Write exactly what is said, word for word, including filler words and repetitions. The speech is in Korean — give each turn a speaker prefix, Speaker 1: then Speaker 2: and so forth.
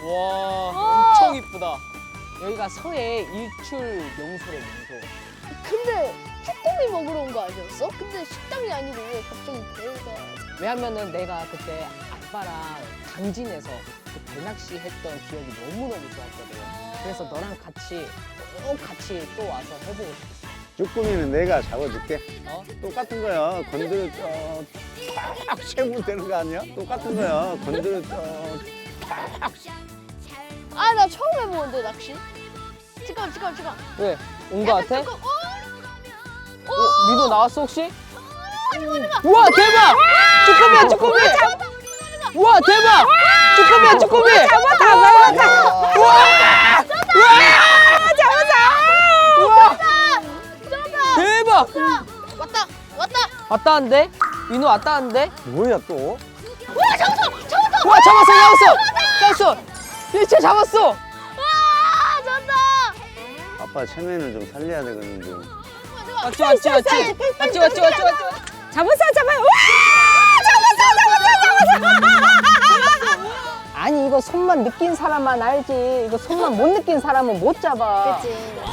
Speaker 1: 와, 엄청 이쁘다.
Speaker 2: 여기가 서해 일출 명소래, 명소.
Speaker 3: 근데 쭈꾸미 먹으러 온 거 아니었어? 근데 식당이 아니고 왜 갑자기 배가?
Speaker 2: 왜냐면은 내가 그때 아빠랑 강진에서 그 배낚시 했던 기억이 너무너무 좋았거든. 그래서 너랑 같이 꼭 같이 또 와서 해보고 싶었어.
Speaker 4: 쭈꾸미는 내가 잡아줄게.
Speaker 2: 어?
Speaker 4: 똑같은 거야. 건드려 쫙 채우면 되는 거 아니야? 똑같은 거야. 건드려 쫙.
Speaker 3: 아, 나 처음 해보는데 낚시. 잠깐, 잠깐, 잠깐.
Speaker 2: 왜? 온 거 같아?
Speaker 3: 잠깐, 어?
Speaker 2: 어? 니도 나왔어 혹시? 우와 대박! 쭈꾸미야 쭈꾸미! 우와 대박! 쭈꾸미야 쭈꾸미! 잡아 잡아 잡아! 우와! 우와! 대박!
Speaker 3: 왔다, 왔다.
Speaker 2: 왔다 한대? 민호 왔다 한대?
Speaker 4: 뭐야 또?
Speaker 3: 와, 잡았어, 잡았어.
Speaker 2: 우와 잡았어 잡았어! 잡았어! 일체 잡았어!
Speaker 3: 와, 잡았다.
Speaker 4: 아빠 체면을 좀 살려야 되겠는데.
Speaker 2: 왔지 왔지 왔지! 왔지 왔지 왔지 왔지!
Speaker 5: 잡았어, 잡아요. 와! 잡았어, 잡았어, 잡았어.
Speaker 2: 아니 이거 손만 느낀 사람만 알지 이거 손만 못 느낀 사람은 못 잡아.
Speaker 3: 그치.